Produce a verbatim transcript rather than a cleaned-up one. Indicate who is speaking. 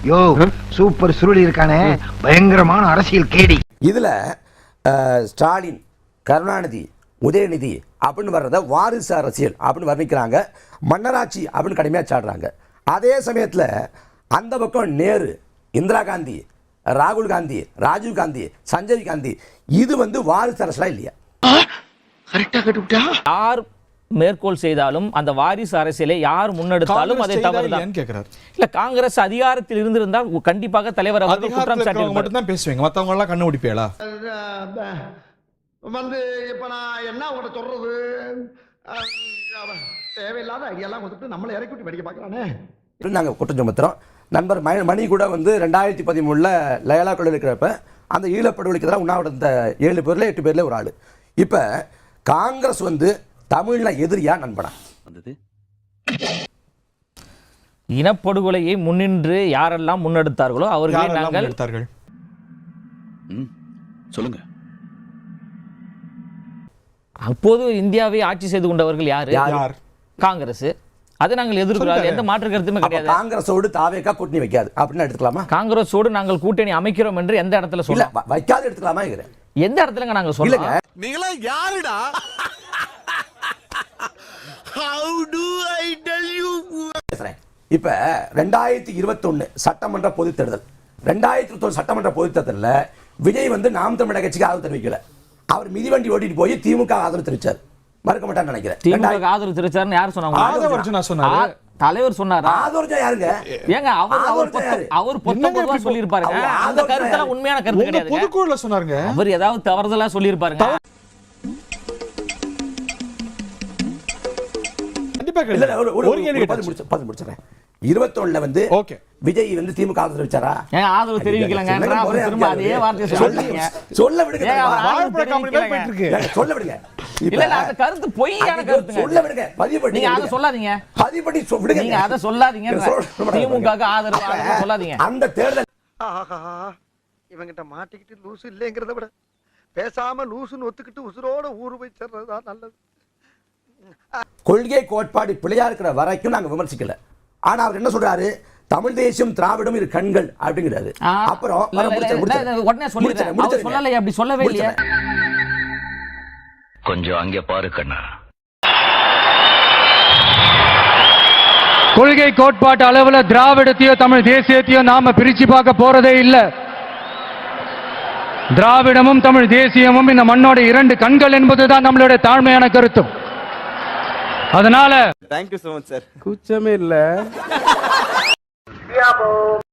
Speaker 1: யோ super Suruli இருக்கானே, பயங்கரமான அரசியல் கேடி.
Speaker 2: இதுல ஸ்டாலின், கருணாநிதி, உதயநிதி அப்படின்னு வர்றத வாரிசு அரசியல் அப்படின்னு வர்ணிக்கிறாங்க, மன்னராட்சி அப்படின்னு கடுமையாக சாடுறாங்க. அதே சமயத்தில் அந்த பக்கம் நேரு, இந்திரா காந்தி, ராகுல் காந்தி, ராஜீவ் காந்தி, சஞ்சய் காந்தி, இது வந்து வாரிசு அரசியலா இல்லையா?
Speaker 3: யார் மேற்கோள் செய்தாலும் அந்த வாரிசு அரசியலை யார் முன்னெடுத்தாலும் அதை தவறுதான் கேட்கிறார். இல்ல, காங்கிரஸ் அதிகாரத்தில் இருந்திருந்தால் கண்டிப்பாக தலைவர் அவர்கள் குற்றம் சாட்டி மட்டும் தான் பேசுவீங்க, மத்தவங்க எல்லாம் கண்ணு முடிப்பீங்களா?
Speaker 1: வந்து இப்ப நான் என்ன உங்கள்ட்ட சொல்றது, தேவையில்லாத ஐடியாலாம் கொடுத்துட்டு நம்மளை இறக்கி விட்டு படிக்க பார்க்கறானே.
Speaker 2: நாங்கள் குற்றம் சுமத்துறோம். நண்பர் மணி கூட வந்து ரெண்டாயிரத்தி பதிமூணுல லயலா கொள்ள இருக்கிறப்ப அந்த ஈழப்படுகொலைக்கு எதிராக உண்ணாவிரத இந்த ஏழு பேர்ல எட்டு பேர்ல ஒரு ஆள். இப்ப காங்கிரஸ் வந்து தமிழ்ல எதிரியா நண்பனா வந்தது?
Speaker 3: இனப்படுகொலையை முன்னின்று யாரெல்லாம் முன்னெடுத்தார்களோ அவர்களை நாங்கள் எடுத்தார்கள்.
Speaker 4: சொல்லுங்க.
Speaker 3: அப்போது இந்தியாவை ஆட்சி செய்து கொண்டவர்கள் யாரு?
Speaker 2: யார்?
Speaker 3: காங்கிரஸ். அதை நாங்கள் எதிர்க்கிறோம், எந்த மாற்று கருத்துமே கிடையாது.
Speaker 2: காங்கிரஸோடு தாவேகா கூட்டணி வைக்காது அப்படின்னு எடுத்துக்கலாமா?
Speaker 3: காங்கிரஸோடு நாங்கள் கூட்டணி அமைக்கிறோம் என்று எந்த இடத்துல சொல்ல
Speaker 2: வைக்காது எடுத்துக்கலாமா?
Speaker 3: எந்த இடத்துல நாங்க சொல்லுங்க.
Speaker 4: நீங்களா யாருடா? How do I tell you?
Speaker 2: இப்ப ரெண்டாயிரத்தி இருபத்தி ஒன்னு சட்டமன்ற பொதுத் தேர்தல், ரெண்டாயிரத்தி இருபத்தி ஒன்று சட்டமன்ற பொதுத் தேர்தலில் விஜய் வந்து நாம் தமிழக கட்சிக்கு ஆதரவு தெரிவிக்கல. அவர் மிதிவண்டி ஓட்டிட்டு போய் திமுக ஆதரவு தெரிவிச்சார். மறக்க மாட்டான்னு நினைக்கிறேன்.
Speaker 3: திமுக ஆதரவு தெரிவிச்சாருன்னு யார் சொன்னாங்க? தலைவர் சொன்னாரு.
Speaker 2: ஆதரவு யாருங்க?
Speaker 3: ஏங்க அவர் அவர் அவர் பொதுவா சொல்லி இருப்பாருங்க. அந்த கருத்து உண்மையான கருத்து கிடையாது.
Speaker 5: பொதுக்குழுல சொன்னாருங்க.
Speaker 3: அவர் ஏதாவது தவறுதலா சொல்லி இருப்பாருங்க.
Speaker 2: கண்டிப்பா இல்ல, ஒரு கேள்வி பதில் முடிச்சு பதில் முடிச்சறேன். இருபத்தி ஒன்றுல வந்து ஓகே விஜய் வந்து திமுக ஆதரவு தெரிவிச்சாரா?
Speaker 3: ஏன் ஆதரவு தெரிவிக்கலங்க? திரும்ப அதே வார்த்தையை சொல்றீங்க.
Speaker 2: சொல்ல விடுங்க.
Speaker 5: வாழைப்பழ காமெடி மாதிரி போயிட்டு இருக்கு.
Speaker 2: சொல்ல விடுங்க.
Speaker 3: இல்ல இல்ல, அந்த கருத்து பொய்யான கருத்துங்க.
Speaker 2: சொல்ல விடுங்க. பதிவு பண்ணி
Speaker 3: நீங்க அத சொல்லாதீங்க.
Speaker 2: பதிவு பண்ணி விடுங்க.
Speaker 3: நீங்க அத சொல்லாதீங்க. திமுகக்கு ஆதரவு சொல்லாதீங்க.
Speaker 2: அந்த தேர்தல்
Speaker 1: ஆஹா, இவங்கிட்ட மாட்டிக்கிட்டு லூசு இல்லைங்கிறத விட பேசாம லூசுன்னு ஒத்துக்கிட்டு உசுரோட ஊரு போய் சேர்றதா நல்லது.
Speaker 2: கொள்கை கோட்பாடு பிழையா இருக்கிற வரைக்கும் நாங்க விமர்சிக்கல. ஆனா அவர் என்ன சொல்றாரு? தமிழ் தேசியம் திராவிடம் இரு கண்கள் அப்படிங்கிறாரு. அப்புறம்
Speaker 3: உடனே சொல்லிடுறேன். அவர் சொல்லலையே, அப்படி சொல்லவே இல்லையே.
Speaker 4: கொஞ்சம் அங்கே பாரு கண்ணா.
Speaker 6: கொள்கை கோட்பாட்டு அளவுல திராவிடத்தையோ தமிழ் தேசியத்தையோ நாம பிரிச்சு பார்க்க போறதே இல்ல. திராவிடமும் தமிழ் தேசியமும் இந்த மண்ணோட இரண்டு கண்கள் என்பதுதான் நம்மளுடைய தாழ்மையான கருத்தும். அதனால
Speaker 7: தேங்க்யூ சோ மச் சார்.
Speaker 5: கூச்சமே இல்ல.